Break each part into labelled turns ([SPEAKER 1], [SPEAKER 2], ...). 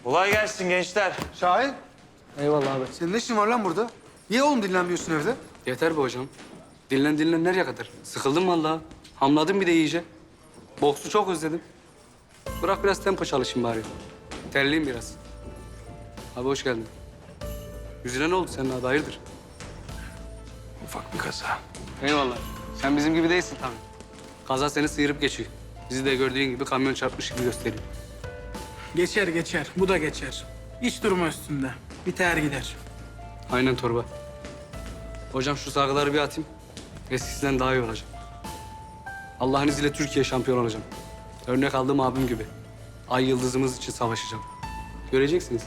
[SPEAKER 1] Kolay gelsin gençler.
[SPEAKER 2] Şahin,
[SPEAKER 3] Eyvallah abi.
[SPEAKER 2] senin ne işin var lan burada? Niye oğlum dinlenmiyorsun evde?
[SPEAKER 3] Yeter be hocam. Dinlen nereye kadar? Sıkıldım vallahi. Hamladım bir de iyice. Boksu çok özledim. Bırak biraz tempo çalışayım bari. Terliyim biraz. Abi hoş geldin. Yüzüne ne oldu senin abi hayırdır?
[SPEAKER 1] Ufak bir kaza.
[SPEAKER 3] Eyvallah. Sen bizim gibi değilsin tabii. Kaza seni sıyırıp geçiyor. Bizi de gördüğün gibi kamyon çarpmış gibi gösteriyor.
[SPEAKER 4] Geçer geçer. Bu da geçer. Hiç durma üstünde. Biter gider.
[SPEAKER 3] Aynen torba. Hocam şu sargıları bir atayım. Eskisinden daha iyi olacağım. Allah'ın izniyle Türkiye şampiyon olacağım. Örnek aldığım abim gibi. Ay yıldızımız için savaşacağım. Göreceksiniz.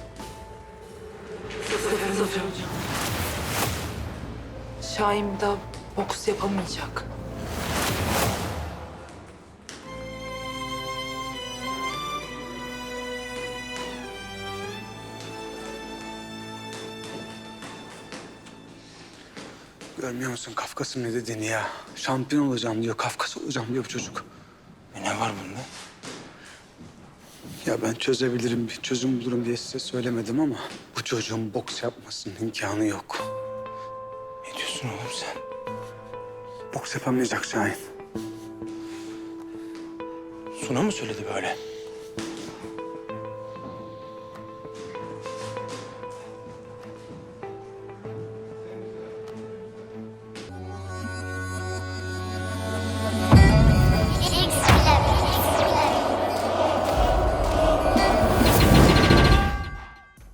[SPEAKER 5] Şahin bir daha boks yapamayacak.
[SPEAKER 2] Görmüyor musun Kafkas'ın ne dediğini ya? Şampiyon olacağım diyor, Kafkas olacağım diyor bu çocuk.
[SPEAKER 1] Ne var bunda?
[SPEAKER 2] Ya ben çözebilirim, bir çözüm bulurum diye size söylemedim ama... ...bu çocuğun boks yapmasının imkanı yok.
[SPEAKER 1] Ne diyorsun oğlum sen?
[SPEAKER 2] Boks yapamayacak Şahin.
[SPEAKER 1] Suna mı söyledi böyle?